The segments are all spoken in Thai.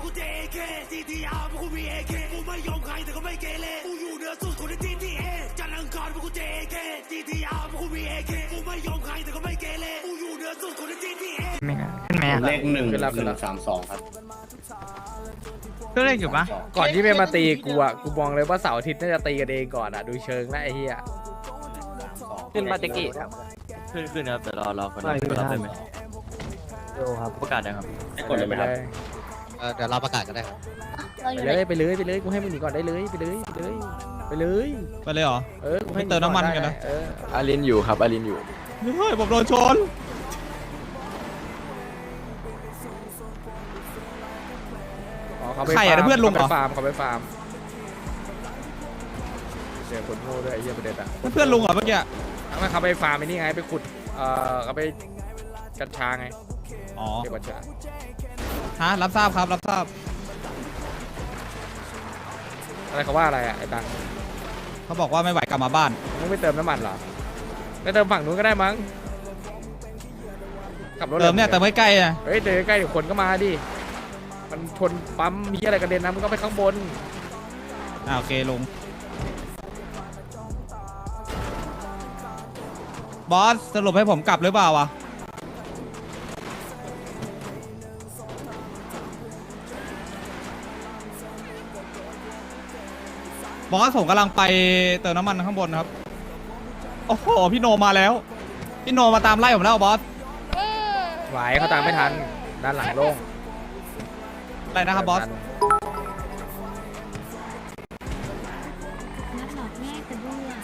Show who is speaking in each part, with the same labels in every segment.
Speaker 1: กูเจเคซีทีอาร์กูมีเอเคกูไม่ยอมใครแต่ก็ไม่เกเรกูอยู่เหนือสุดคนในทีทีเอจันทร์อังคารกูเจเคซีทีอาร์กูมีเอเคกูไม่ยอมใครแต่ก็ไม่เกเรกูอยู่เหนือสุดคนในทีทีเอ
Speaker 2: ไม่ขึ้นไหม
Speaker 3: เลข1 ครับ
Speaker 2: ก็เลขอยู่ปะ
Speaker 4: ก่อนที่ไม่มาตีกูอ่ะกูมองเลยว่าเสาร์อาทิตย์น่าจะตีกันเองก่อนอ่ะดูเชิงแล้วไอ้เหี้ย
Speaker 2: ขึ้นมาเตกี้
Speaker 5: ขึ้นครับแต่รอคนรับได้ไหมประกาศยังครับ
Speaker 3: ให้กดเลยไหมครับ
Speaker 6: เดี๋ยวเราประกาศกันได้ครับ
Speaker 4: ไปเลยกูให้มึงหนีก่อนได้เลยไปเลยไปเลยไปเลย
Speaker 7: ไปเลยเหรอ
Speaker 4: กูให้
Speaker 7: ไม่เติมน้ำมันกันนะ
Speaker 5: อารินอยู่ครับอารินอยู่
Speaker 7: เฮ้ยผมโดนชน ใครอะเพื่อนลุงเหรอ
Speaker 4: เขาไปฟาร์มเจอคนโง่ด้วยไอ้เหี้ยประเด็นอ่ะ
Speaker 7: เพื่อนลุงเหรอเมื่อกี้
Speaker 4: ไม่เขาไปฟาร์มไอ้นี่ไงไปขุดเขาไปกัญชาไง
Speaker 7: อ๋อ
Speaker 4: เก็บกัญชา
Speaker 7: ฮะรับทราบครับรับทราบ
Speaker 4: อะไรเขาว่าอะไรอ่ะไอ้ตัง
Speaker 7: เขาบอกว่าไม่ไหวกลับมาบ้าน
Speaker 4: มึงไม่เติมน้ำมันเหรอไปเติมฝั่งนู้นก็ได้มั้งขับรถ
Speaker 7: เติมเนี่ยเติมใกล้ๆนะ
Speaker 4: เฮ้ยเดินใกล้ๆเดี๋ยวคนก็มาดิมันชนปั๊มมีอะไรกระเด็นนะมึงก็ไปข้างบน
Speaker 7: โอเคลุงบอสสรุปให้ผมกลับหรือเปล่าวะบอสผมกำลังไปเติมน้ำมันข้างบนครับโอ้โหพี่โนมาแล้วพี่โนมาตามไล่ผมแล้วบอส
Speaker 4: ไหวเขาตามไม่ทันด้านหลังโล่ง
Speaker 7: อะไรนะครับบอส
Speaker 8: นักดอกแม่กระเบื้อ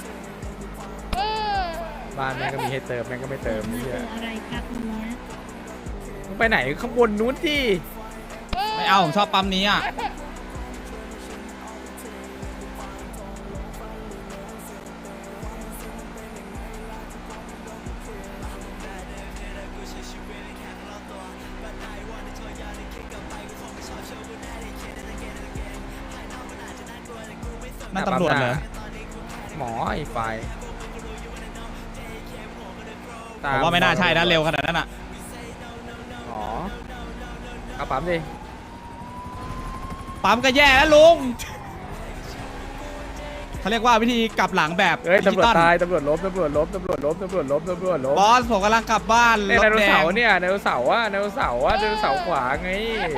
Speaker 4: บ้านแม่งก็มีให้เติมแม่งก็ไม่เติมนี่
Speaker 8: เจออะไรครับเนี้ย
Speaker 4: มึงไปไหนข้างบนนู้นที่
Speaker 7: ไม่เอาผมชอบปั๊มนี้อ่ะนั่นตำรวจเหรอ
Speaker 4: หมอไอ้ไฟ
Speaker 7: ผมว่าไม่น่าใช่นะเร็วขนาดนั้นอ่ะ
Speaker 4: หมอเอาปั๊มดิ
Speaker 7: ปั๊มก็แย่แล้วลุงเขาเรียกว่าวิธีกลับหลังแบบ
Speaker 4: เฮ้ย
Speaker 7: ดิจิ
Speaker 4: ตำรวจ
Speaker 7: ตอล
Speaker 4: ตายตำรวจล้มตำรวจล้มตำรวจล้มตำรวจล้มตำรวจล้ม
Speaker 7: บอสผมกำลังกลับบ้าน
Speaker 4: เนี่ย
Speaker 7: ร
Speaker 4: ได
Speaker 7: ถ
Speaker 4: โน
Speaker 7: แด
Speaker 4: เสาง ร์เนี่ยไดโนเสาร์อะไดโนเสาร์อะไดโนเสาร์ขวาไง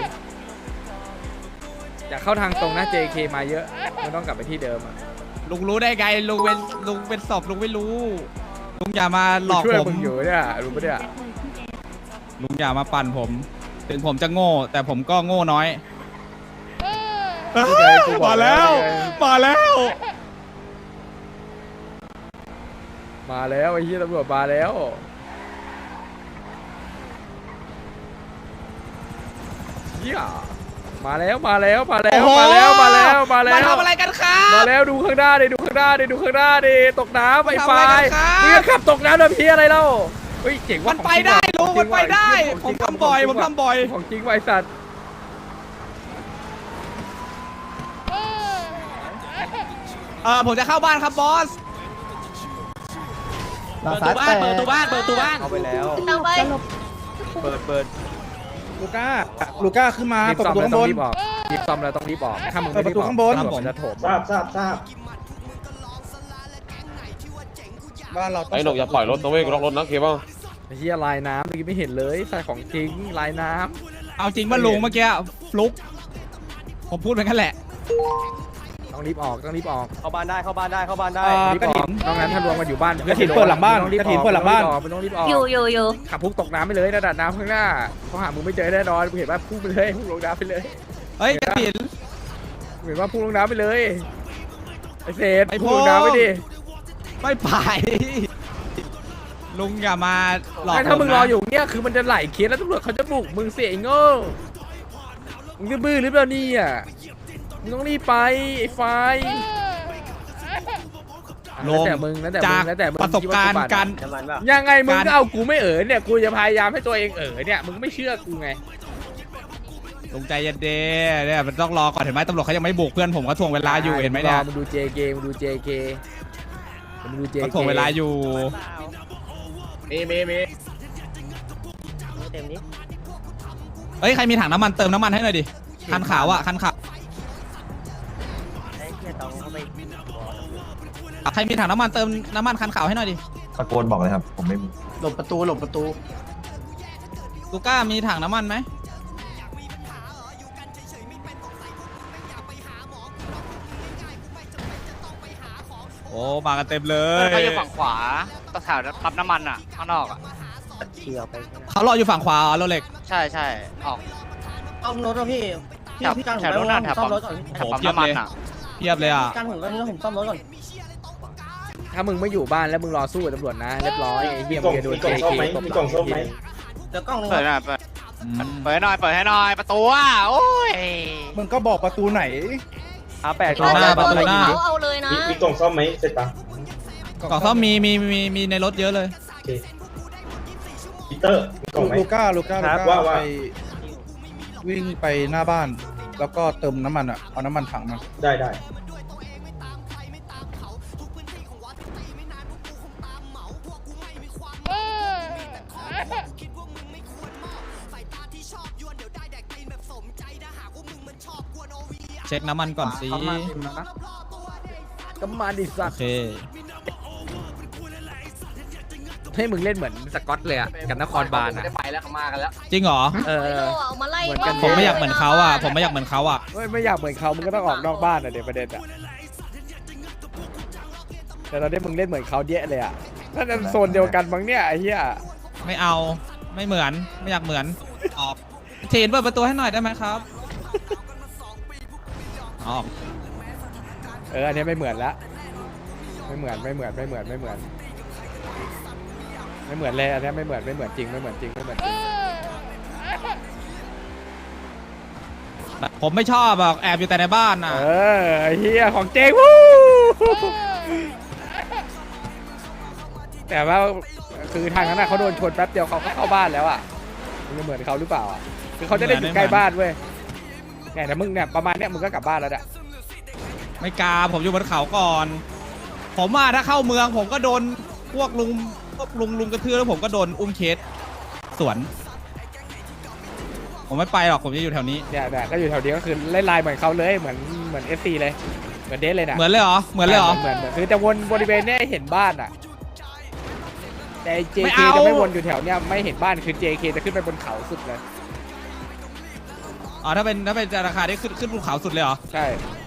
Speaker 4: อยากเข้าทางตรงนะ JK มาเยอะไม่ต้องกลับไปที่เดิมอะ
Speaker 7: ลุงรู้ได้ไงลุงเป็นศพลุงไม่รู้ลุงอย่ามาหลอก
Speaker 4: ช่วย
Speaker 7: ผม
Speaker 4: มึงอยู่เนี่ยรู้ปะเนี่ย
Speaker 8: แจ็คเลยพี่เอส
Speaker 7: ลุงอย่ามาปั่นผม ถึงผมจะโง่ แต่ผมก็โง่น้อย
Speaker 4: นี่ไงกูบอก
Speaker 7: มาแล้ว
Speaker 4: นี่ไง
Speaker 7: มาแล้ว
Speaker 4: มาแล้วไอ้เหี้ยตำรวจมาแล้วเหี้ยมาแล้วมาแล้วมาแล้ว
Speaker 7: โอ้โห
Speaker 4: มาแล้วมาแล้วมาแล้ว
Speaker 7: มาทำอะไรกันครับ
Speaker 4: มาแล้วดูข้างหน้าดิดูข้างหน้าดิดูข้างหน้าดิตกน้ำไอ้ไฟ
Speaker 7: ทำอะไรกันครับ
Speaker 4: มึงจะขับตกน้ำนะพี่อะไรเล่าเฮ้ยเจ๋ง
Speaker 7: มั
Speaker 4: ว่ะ
Speaker 7: นไปได้ลุงมันไปได้
Speaker 4: ข
Speaker 7: ผ
Speaker 4: อง
Speaker 7: ม
Speaker 4: จริงว่ะ
Speaker 7: ทำบ่อยผมทำบ่อย
Speaker 4: ของจริงว่ะไอ้สัตว์
Speaker 7: ผมจะเข้าบ้านครับบอส
Speaker 2: เปิดตัวบ้านเปิดตัวบ้านเปิดตัวบ้าน
Speaker 5: เข้าไปแล้ว
Speaker 8: เอาไป
Speaker 5: เปิด
Speaker 9: ลูก้าขึ้นมา
Speaker 4: รีบ
Speaker 9: เปิด
Speaker 4: ซ่อ
Speaker 9: ป
Speaker 4: ม
Speaker 9: ระตู
Speaker 4: เลย
Speaker 9: ข้าง
Speaker 4: ต้อบ ง
Speaker 9: น
Speaker 4: รีบออกรีบซ่อมเลยต้องรีบออกถ้ามึงไม่รีบออก
Speaker 9: เปิดประตูข้างบน
Speaker 4: ตำรวจมันจะโถม
Speaker 9: ทราบบ้านเราต้อง
Speaker 10: ไอ้หนกอย่าปล่อยรถนะเว้ยล็อกรถนะเคเบิล
Speaker 4: ไอ้เหี้ยลายน้ำเมื่อกี้ไม่เห็นเลยใส่ของจริงลายน้
Speaker 7: เอาจริงว่าลุงเมื่อกี้ฟลุกผมพูดเป็นกันแหละ
Speaker 4: ำต้องรีบออกต้องรีบออก
Speaker 5: เข้าบ้านได้เข้าบ้านได้เข้าบ้านได้
Speaker 4: รีบออกนอกนั้นถ้ารวมกันอยู่บ้าน
Speaker 9: กระถิ่นเปิดหลังบ้าน
Speaker 4: ต้องรีบ
Speaker 9: ก
Speaker 4: อ
Speaker 9: ระถิ่น
Speaker 4: อก
Speaker 9: เปิดหลังบ้าน
Speaker 4: ไม่ต้องรีบออก
Speaker 8: อยู่
Speaker 4: ขับพุ่งตกน้ำไปเลยระดับน้ำข้างหน้าเขาหามึงไม่เจอแน่นอนกูเห็นว่าพุ่งไปเลยพุ่งลงน้ำไปเลย
Speaker 7: เฮ้ยกระถิน
Speaker 4: กูเห็นว่าพุ่งลงน้ำไปเลยไอ้เศษ
Speaker 7: ไอ้
Speaker 4: พุ่งลง
Speaker 7: พวก
Speaker 4: น้ำไปดิ
Speaker 7: ไม่ไปลุงอย่ามาหลอก
Speaker 4: ไอ้ถ้ามึง
Speaker 7: ผนะ
Speaker 4: รออยู่เนี่ยคือมันจะไหลเคสแล้วตำรวจเขาจะบุกมึงเสียไอ้โง่มึงจะบื้อหรือเปล่าเนี่ยมึงต้องรีบไปไอ้ไฟ
Speaker 7: ล
Speaker 4: แล้ว
Speaker 7: ง
Speaker 4: แต่มึงแล้วแต่
Speaker 7: จา
Speaker 4: มึ
Speaker 7: ก
Speaker 4: งแล้วแต่มึง
Speaker 7: ประสบการณ์
Speaker 4: คิดว่
Speaker 7: การ
Speaker 5: น้ำมันเปล่า
Speaker 4: ยังไงมึง
Speaker 7: การ
Speaker 4: ก็เอากูไม่เนี่ยกูจะพยายามให้ตัวเองเนี่ยมึงไม่เชื่อกูไง
Speaker 7: ลุงใจเย็นเด้เนี่ยมันต้องรอก่อนเห็นไหมตำรวจเขายังไม่บุกเพื่อนผมเขาทวงเวลาอยู่เห็นไหมเนี่ย
Speaker 4: มึงดู JK มึงดู JK มึงดู JK
Speaker 7: เขาทวงเวลาอยู่
Speaker 5: มีเต็มนี้
Speaker 7: เอ้ยใครมีถังน้ำมันเติมน้ำมันให้หน่อยดิคันขาวอะคันขาวใครมีถังน้ำมันเติมน้ำมันคันขาวให้หน่อยดิ
Speaker 5: ตะโกนบอกเลยครับ ผมไม่มี
Speaker 3: หลบประตูหลบประตู
Speaker 7: ลูก้ามีถังน้ำมันไหมโอ้มากันเต็มเลย
Speaker 2: เขาอยู่ฝั่งขวาตะแถวปั๊มน้ำมันอ่ะข้างนอกอ่ะ
Speaker 7: เขารออยู่ฝั่งขวาโรเล็ก
Speaker 2: ใช่ใช่ออก
Speaker 3: เอารถอ่ะพี่
Speaker 2: แถวรถน่ะแถวปั๊มน้ำมันอ่ะ
Speaker 7: เทียบเลยอ่ะ
Speaker 3: การผมก็นี่ผมซ่อมรถก่อน
Speaker 4: ถ้ามึงไม่อยู่บ้านแล้วมึงรอสู้กับตำรวจนะเรียบร้อยไอ้เหี้ยมึงจะโดน JK ตบหลัง
Speaker 3: เดี๋ยวกล้องนึง
Speaker 2: เปิดหน่อยเปิดให้หน่อยเปิดให้หน่อยประตูอ่ะโอ้ย
Speaker 9: มึงก็บอกประตูไหน
Speaker 7: ประตูหน้าประตูหน้า
Speaker 8: เอาเลยนะ
Speaker 10: มีกล่องซ่อมไหมเสร็จปะ
Speaker 7: กล่องซ่อมมีในรถเยอะเลย
Speaker 10: ปีเตอร์มีกล่องไหม
Speaker 9: ลูก้า
Speaker 10: ว่า
Speaker 9: ไปวิ่งไปหน้าบ้าน แล้วก็เติมน้ำมันอ่ะ เอาน้ำมันถังมา
Speaker 10: ได้
Speaker 7: เช็คน้ำมันก่อนสิ
Speaker 4: ก็มาดิสั
Speaker 7: โอ
Speaker 4: ตว์
Speaker 7: เค
Speaker 4: ให้มึงเล่นเหมือนสกอตเลยอะกับนครบาลอะ
Speaker 3: ไปแล้วเขามากันแล้ว
Speaker 7: จริงเหรอ
Speaker 4: เออ
Speaker 8: เอามาไล่
Speaker 4: เหมือนกัน
Speaker 7: ผมไม่อยากเหมือนเขาอ่ะ ผมไม่อยากเหมือนเขาอ่ะ
Speaker 4: ไม่อยากเหมือนเขามึงก็ต้องออกนอกบ้านอะเดี๋ยวประเด็นอะแต่ตอนนี้มึงเล่นเหมือนเขาเยอะเลยอะน่าจะโซนเดียวกันมั้งเนี่ยไอ้เหี้ย
Speaker 7: ไม่เอาไม่เหมือนไม่อยากเหมือนออกเชนเปิดประตูให้หน่อยได้ไหมครับออก
Speaker 4: อันนี้ไม่เหมือนละไม่เหมือนเลยอันนี้ไม่เหมือนจริงไม่เหมือนจริง
Speaker 7: ผมไม่ชอบอ่ะแอบอยู่แต่ในบ้านอ่ะ
Speaker 4: ไอ้เหี้ยของเจ๊งวู้แต่ว่าคือทางนั้นเขาโดนชนแป๊บเดียวเขาก็เข้าบ้านแล้วอ่ะมึงจะเหมือนเขาหรือเปล่าอ่ะคือเขาจะได้อยู่ใกล้บ้านเว้ยเนี่ยแต่มึงเนี่ยประมาณเนี้ยมึงก็กลับบ้านแล้วอ่ะ
Speaker 7: ไม่กล้าผมอยู่บนเขาก่อน ผมว่าถ้าเข้าเมืองผมก็โดนพวกลุงกระทืบแล้วผมก็โดนอุ้มเคสสวน ผมไม่ไปหรอกผมจะอยู่แถวนี้
Speaker 4: เนี่ยก็อยู่แถวนี้ก็คือเล่นไลน์เหมือนเขาเลยเหมือน FC เลยเหมือนเดสเลยนะ
Speaker 7: เหมือนเลยเหรอเหมือนเลยเหรอ
Speaker 4: เหมือนคือจะวนบริเวณเนี้ยให้เห็นบ้านอ่ะแต่
Speaker 7: ไม่
Speaker 4: JK
Speaker 7: เอา
Speaker 4: จะไม่วนอยู่แถวเนี้ยไม่เห็นบ้านคือ JK จะขึ้นไปบนเขาสุดเลย
Speaker 7: อ๋อถ้าเป็นราคาได้ขึ้นภูเขาสุดเลยเหรอ
Speaker 4: ใช่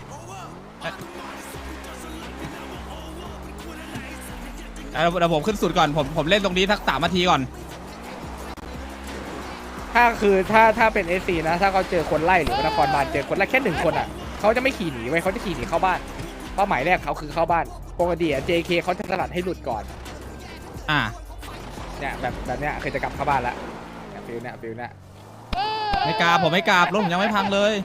Speaker 7: เดี๋ยวผมขึ้นสุดก่อนผมเล่นตรงนี้สัก3 นาทีก่อน
Speaker 4: ถ้าเป็น SC นะถ้าเขาเจอคนไล่หรือว่านครบาลเจอคนไล่แค่1 คนอ่ะเขาจะไม่ขี่หนีไว้เขาจะขี่หนีเข้าบ้านเป้าหมายแรกเขาคือเข้าบ้านปกติอ่ะ JK เขาจะสลัดให้หลุดก่อน
Speaker 7: อ่า
Speaker 4: เนี่ยแบบเนี้ยคือจะกลับเข้าบ้านละฟิลเนี่ย
Speaker 7: ไม่กล้าผมไม่กล้ารถผมยังไม่พังเลย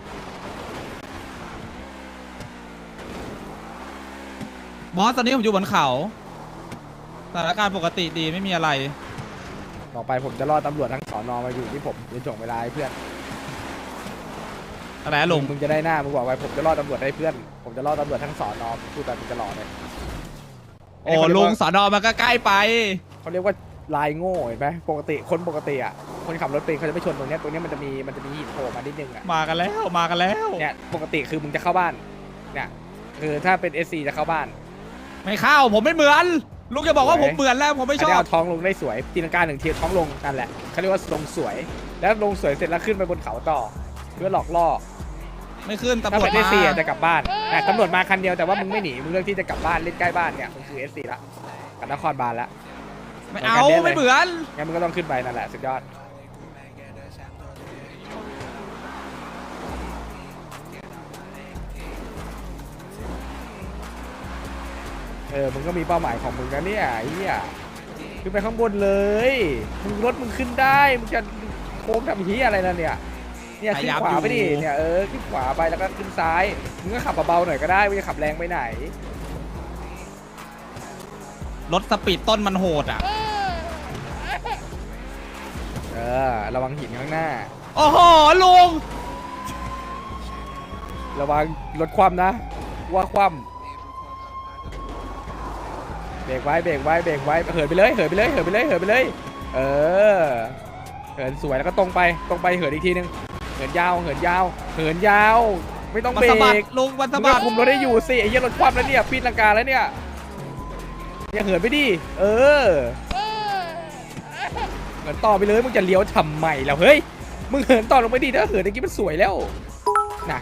Speaker 7: บอสตอนนี้ผมอยู่บนเขาสถานการณ์ปกติดีไม่มีอะไร
Speaker 4: ต่อไปผมจะรอตำรวจทั้งสอนอมาอยู่ที่ผมจะส่งเวลาให้เพื่อน
Speaker 7: อะไรลุง
Speaker 4: มึงจะได้หน้ามึงบอกไว้ผมจะรอตำรวจให้เพื่อนผมจะรอตำรวจทั้งสอนอพูดแบบมึงจะรอเลย
Speaker 7: โอ้ลุงสอนอมันก็ใกล้ไป
Speaker 4: เขาเรียกว่าลายโง่เห็นไหมปกติคนปกติอ่ะคนขับรถเป็นเขาจะไม่ชนตรงเนี้ยมันจะมีหินโผล่มานิดนึงอ่ะ
Speaker 7: มากันแล้ว
Speaker 4: เนี่ยปกติคือมึงจะเข้าบ้านเนี่ยคือถ้าเป็น SC จะเข้าบ้าน
Speaker 7: ไม่เข้าผมไม่เหมือนลุงจะบอกว่า
Speaker 4: สวย
Speaker 7: ผมเหมือนแล้วผมไม่ช
Speaker 4: อัน
Speaker 7: อ
Speaker 4: นี้
Speaker 7: บ
Speaker 4: เอาท้องลงได้สวยตีลังกา1 ทีท้องลงนั่นแหละเขาเรียกว่าลงสวย แล้วลงสวยเสร็จแล้วขึ้นไปบนเขาต่อเพื่อหลอกล่อ
Speaker 7: ไม่ขึ้นตำ
Speaker 4: ถ้าร
Speaker 7: วจ
Speaker 4: เป็น
Speaker 7: มา
Speaker 4: SC จะกลับบ้านแต่ตำรวจมาคันเดียวแต่ว่ามึงไม่หนีมึงเลือกที่จะกลับบ้านเล่นใกล้บ้านเนี่ยมึงคือ SC ละกับนครบาลละ
Speaker 7: ไม่เอาไม่เหมือน
Speaker 4: งั้นมึงก็ต้องขึ้นไปนั่นแหละสุดยอดมึงก็มีเป้าหมายของมึงนะเนี่ยไอ้เหี้ยขึ้นไปข้างบนเลยมึงรถมึงขึ้นได้มึงจะโค้งทำเหี้ยอะไรล่ะเนี่ยขึ้นขวาไปดิเนี่ยขึ้นขวาไปแล้วก็ขึ้นซ้ายมึงก็ขับเบาๆหน่อยก็ได้มึงจะขับแรงไปไหน
Speaker 7: รถสปีดต้นมันโหดอ่ะ
Speaker 4: ระวังหินข้างหน้า
Speaker 7: โอ้โหลุง
Speaker 4: ระวังรถคว่ำนะว่าคว่ำเบรกไว้เหินไปเลยเหินสวยแล้วก็ตรงไปเหินอีกทีนึงเหินยาวเหินยาว ไม่ต้อง
Speaker 7: มัน
Speaker 4: เบร
Speaker 7: สะบัด
Speaker 4: ก
Speaker 7: ลุงมัน
Speaker 4: มึ
Speaker 7: สะ
Speaker 4: ง
Speaker 7: บั
Speaker 4: ก็
Speaker 7: ด
Speaker 4: คุมรถได้อยู่สิไอ้เหี้ยรถคว่ำแล้วเนี่ยปีนลังกาแล้วเนี่ยอย่าเหินไปดิเออเหินต่อไปเลยมึงจะเลี้ยวทำไมแล้วเฮ้ยมึงเหินต่อลงไปดิถ้าเหินอย่างงี้มันสวยแล้วนะ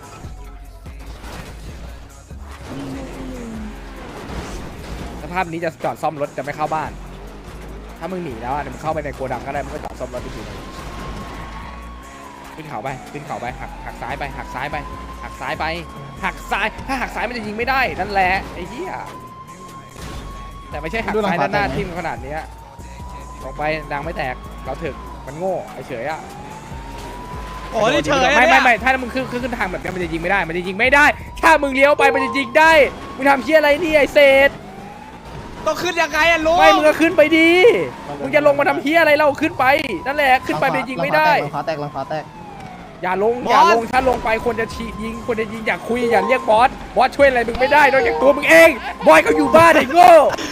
Speaker 4: สภาพนี้จะจอดซ่อมรถจะไม่เข้าบ้าน ถ้ามึงหนีแล้วอ่ะเดี๋ยวมึงเข้าไปในโกดังก็ได้มึงก็จอดซ่อมรถไปทีนึงขึ้นเขาไปขึ้นเขาไปหักซ้ายไปหักซ้ายไปหักซ้ายไปหักซ้ายถ้าหักซ้ายมันจะยิงไม่ได้นั่นแหละไอ้เหี้ยแต่ไม่ใช่หักซ้ายด้านหน้าทิ่มขนาดเนี้ยลงไปดังไม่แตกเราถึกมันโง่ไอ้เฉยอ่ะ
Speaker 7: โอ้ยเฉย
Speaker 4: ไม่ถ้ามึงขึ้นทางแบบนี้มันจะยิงไม่ได้มันจะยิงไม่ได้ถ้ามึงเลี้ยวไปมันจะยิงได้มึงทำเหี้ยอะไรนี่ไอ้เศษ
Speaker 7: ต้องขึ้นยังไงอะลุง
Speaker 4: ไม่มึงก็ขึ้นไปดีมึงจะลงมาทำเหี้ยอะไรเราขึ้นไปนั่นแหละขึ้นไปมันจะยิงไม่ได้
Speaker 3: หลังขาแตกหลังขาแตก
Speaker 4: อย่าลงถ้าลงไปคนจะฉีดยิงคนจะยิงอยากคุยอย่าเรียกบอสช่วยอะไรมึงไม่ได้นอกจากตัวมึงเองบอยก็อยู่บ้านไอ้โง่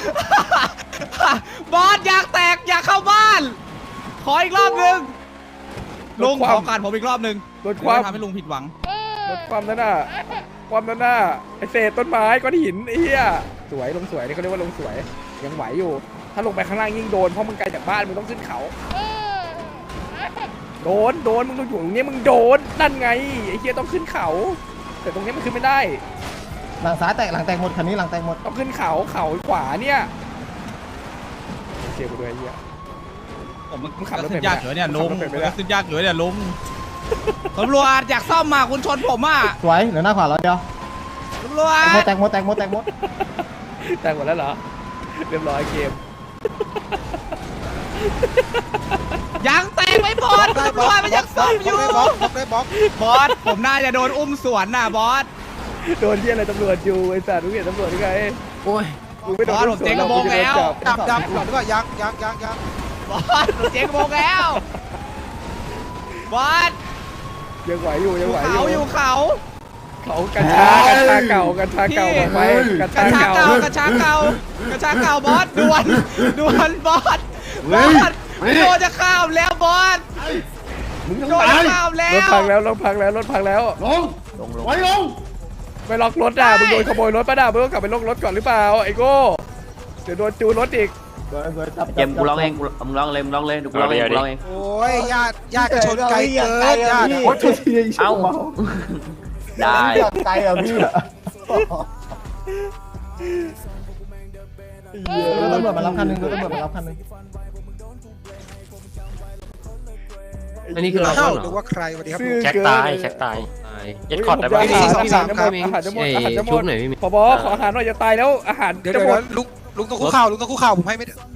Speaker 7: บอสอยากแตกอยากเข้าบ้าน ขออีกรอบหนึ่งลุงขอการผมอีกรอบหนึ่ง
Speaker 4: ลดความ
Speaker 7: ทำให้ลุงผิดหวัง
Speaker 4: ลดความนั้นน่ะความนั้นน่ะไอเศษต้นไม้ก้อนหินไอ้เหี้ยสวยลงสวยนี่เขาเรียกว่าลงสวยยังไหวอยู่ ถ้าลงไปข้างล่างยิ่งโดนเพราะมึงไกลจากบ้านมึงต้องขึ้นเขาโดนมึงต้องอยู่ตรงนี้มึงโดนนั่นไงไอ้เหี้ยต้องขึ้นเขา แต่ตรงนี้มันขึ้นไม่ได้
Speaker 3: หลังซ้ายแตกหลังแตกหมดคันนี้หลังแตกหมด
Speaker 4: ต้องขึ้นเขาขวาเนี่ยเสียกูด้วยไอ้เหี้ย
Speaker 7: ผมมัน
Speaker 4: มึงขับรถ
Speaker 7: ขึ้นยากอยู่เนี่ยลุง
Speaker 4: มึงขับรถเป็นไหมล่ะ
Speaker 7: ขึ้นยากอยู่เนี่ยลุงตำรวจอยากซ่อมมาคุณชนผมอ่ะ
Speaker 3: สวยเหลือหน้าขวาเราเดียว
Speaker 7: ตำรวจ
Speaker 3: แตกหมด
Speaker 4: แต่งหมดแล้วเหรอเรียบร้อยเกม
Speaker 7: ยังแตกไม่หมดตำรวจมันยังซ่อมอยู่บอสผมน่าจะโดนอุ้มสวนน่ะบอส
Speaker 4: โดนที่อะไรตำรวจอยู่ไอ้สัตว์มึงเห็นตำรวจยังไง
Speaker 3: โอ้ย
Speaker 4: มึงไม่โดน
Speaker 7: บอสผมเจ๊งกระโปรงแล้ว
Speaker 3: ดับ
Speaker 7: บอสผมเจ๊งโมงแล้วบอส
Speaker 4: ยังไหวอยู่
Speaker 7: อยู่เขาอยู่เขา
Speaker 4: เขากัญชาเก่ากัญชาเก่าออกไปกัญ
Speaker 7: กระ
Speaker 4: ชา
Speaker 7: ชาก
Speaker 4: เก่า
Speaker 7: เก่ากระชากเก่ากระชากเก่าบอสด่วนบอสโดนจะข้ามแล้วบอส
Speaker 4: มึง
Speaker 7: โดนจะข้ามแล้
Speaker 4: รถ
Speaker 7: ว
Speaker 4: พังแล้วรถพังแล้วไปล็อกรถอ่ะมึงโดนขโมยรถป่ะด่ามึงต้องกลับไปล็อกรถก่อนหรือเปล่าไอ้โก้เดี๋ยวโดนจูนรถอีก
Speaker 5: เกมกูร้องเองมึงร้องเลยดูกูร้องเอง
Speaker 9: โอ้ยญาติชนไกลเกินญาติ
Speaker 5: เอ้าได้
Speaker 3: ไกลอ่ะพี่ตำรวจมารับคันนึงตำรวจมารับคันนึง
Speaker 5: อันนี้คือเรา
Speaker 9: หรือว่าใครสวัสดีครับ
Speaker 4: ซื่อ
Speaker 5: แช็ค
Speaker 4: เกิน
Speaker 5: ตายยัดคอร์ดได้ไหม
Speaker 4: อาหารจะหมดอาหารจะหมดผบขออาหารหน่อยจะตายแล้วอาหาร
Speaker 9: เดี๋ยว
Speaker 4: จะหมด
Speaker 9: ลุงต้องคุกเข่าผมให้ไม่